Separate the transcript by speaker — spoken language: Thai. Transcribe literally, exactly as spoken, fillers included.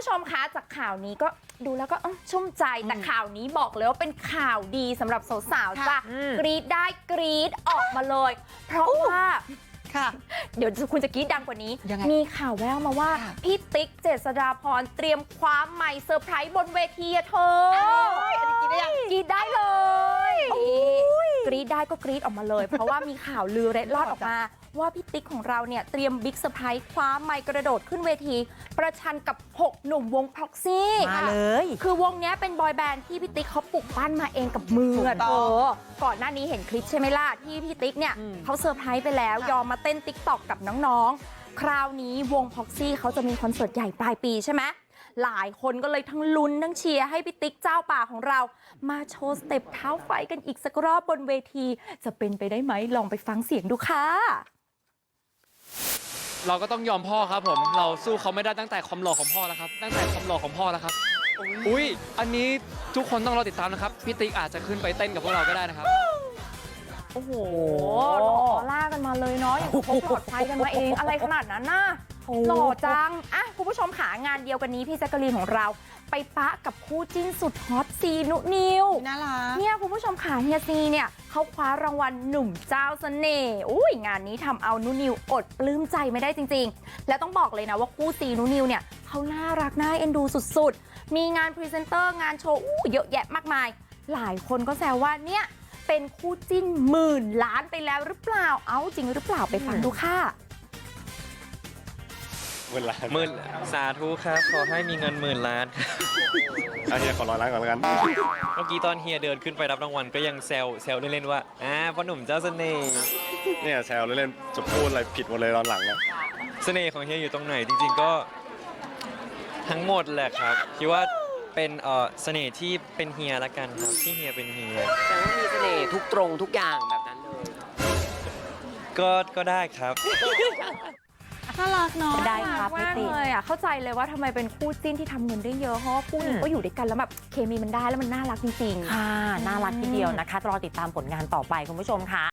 Speaker 1: ผู้ชมคะจากข่าวนี้ก็ดูแล้วก็ชุ่มใจแต่ข่าวนี้บอกเลยว่าเป็นข่าวดีสำหรับสาวๆจ้ะกรี๊ดได้กรี๊ดออกมาเลยเพราะว่าเดี๋ยวคุณจะกรี๊ดดังกว่านี้มีข่าวแววมาว่าพี่ติ๊กเจษฎาพรเตรียมคว้าไมค์เซอร์ไพรส์บนเวทีอะเธอกรี๊ดได้ยังกรี๊ดได้เลยกรี๊ดได้ก็กรี๊ดออกมาเลยเพราะว่ามีข่าวลือเร็ดลอดออกมาว่าพี่ติ๊กของเราเนี่ยเตรียมบิ๊กเซอร์ไพรส์คว้าไมค์กระโดดขึ้นเวทีประชันกับหกหนุ่มวงพ็อกซี่มาเลยคือวงนี้เป็นบอยแบนด์ที่พี่ติ๊กเขาปลุกปั้นมาเองกับมือเออก่อนหน้านี้เห็นคลิปใช่ไหมล่ะที่พี่ติ๊กเนี่ยเขาเซอร์ไพรส์ไปแล้วยอมมาเต้นติ๊กต็อกกับน้องๆคราวนี้วงพ็อกซี่เขาจะมีคอนเสิร์ตใหญ่ปลายปีใช่ไหมหลายคนก็เลยทั้งลุ้นทั้งเชียร์ให้พี่ติ๊กเจ้าป่าของเรามาโชว์สเต็ปเท้าไฟกันอีกสักรอบบนเวทีจะเป็นไปได้ไหมลองไปฟังเสียงดูค่ะ
Speaker 2: เราก็ต้องยอมพ่อครับผมเราสู้เขาไม่ได้ตั้งแต่ความหล่อของพ่อแล้วครับตั้งแต่ความหล่อของพ่อแล้วครับอุ้ยอันนี้ทุกคนต้องรอติดตามนะครับพี่ติ๊กอาจจะขึ้นไปเต้นกับพวกเราก็ได้นะครับ
Speaker 1: โอ้โหหล่อล่ากันมาเลยเนาะอย่างเขาปลอดภัยกันมาเองอะไรขนาดนั้นน่ะหล่อจังอ่ะคุณผู้ชมขางานเดียวกันนี้พี่แจ๊กกะลีนของเราไปปะกับคู่จิ้นสุดฮอตซีนุนิวน่ารักเนี่ยคุณผู้ชมขาเฮียซีเนี่ยเขาคว้ารางวัลหนุ่มเจ้าเสน่ห์อุ้ยงานนี้ทำเอานุนิวอดปลื้มใจไม่ได้จริงๆและต้องบอกเลยนะว่าคู่ซีนุนิวเนี่ยเขาน่ารักน่าเอ็นดูสุดๆมีงานพรีเซนเตอร์งานโชว์อู้เยอะแยะมากมายหลายคนก็แซวว่าเนี่ยเป็นคู่จิ้นหมื่นล้านไปแล้วหรือเปล่าเอ้าจริงหรือเปล่าไปฟังดูค่ะ
Speaker 3: หมื่นล้าน
Speaker 4: หมื่นสาธุครับขอให้มีเงินหมื่นล้าน
Speaker 3: เอาเฮียขอร้อยล้านก่อนแล้วกัน
Speaker 4: เมื่อกี้ตอนเฮียเดินขึ้นไปรับรางวัลก็ยังแซวแซวเล่นๆว่าอ่าพ่อหนุ่มเจ้าเสน่ห์
Speaker 3: เนี่ยแซวเล่นๆจะพูดอะไรผิดหมดเลยตอนหลังเนี่ย
Speaker 4: เสน่ห์ของเฮียอยู่ตรงไหนจริงๆก็ทั้งหมดแหละครับคิดว่าเป็นเอ่อเสน่ห์ที่เป็นเฮียละกันครับที่เฮียเป็นเฮีย
Speaker 5: แต่ว่ามีเสน่ห์ทุกตรงทุกอย่างแบบนั้นเลย
Speaker 4: ก็ก็ได้ครับ
Speaker 1: น่ารักเนาะได้ครับมากเลยอ่ะเข้าใจเลยว่าทำไมเป็นคู่จิ้นที่ทำเงินได้เยอะเพราะว่าคู่นี้ก็อยู่ด้วยกันแล้วแบบเคมีมันได้แล้วมันน่ารักจริงๆ
Speaker 6: ค่ะน่ารักทีเดียวนะคะรอติดตามผลงานต่อไปคุณผู้ชมค่ะ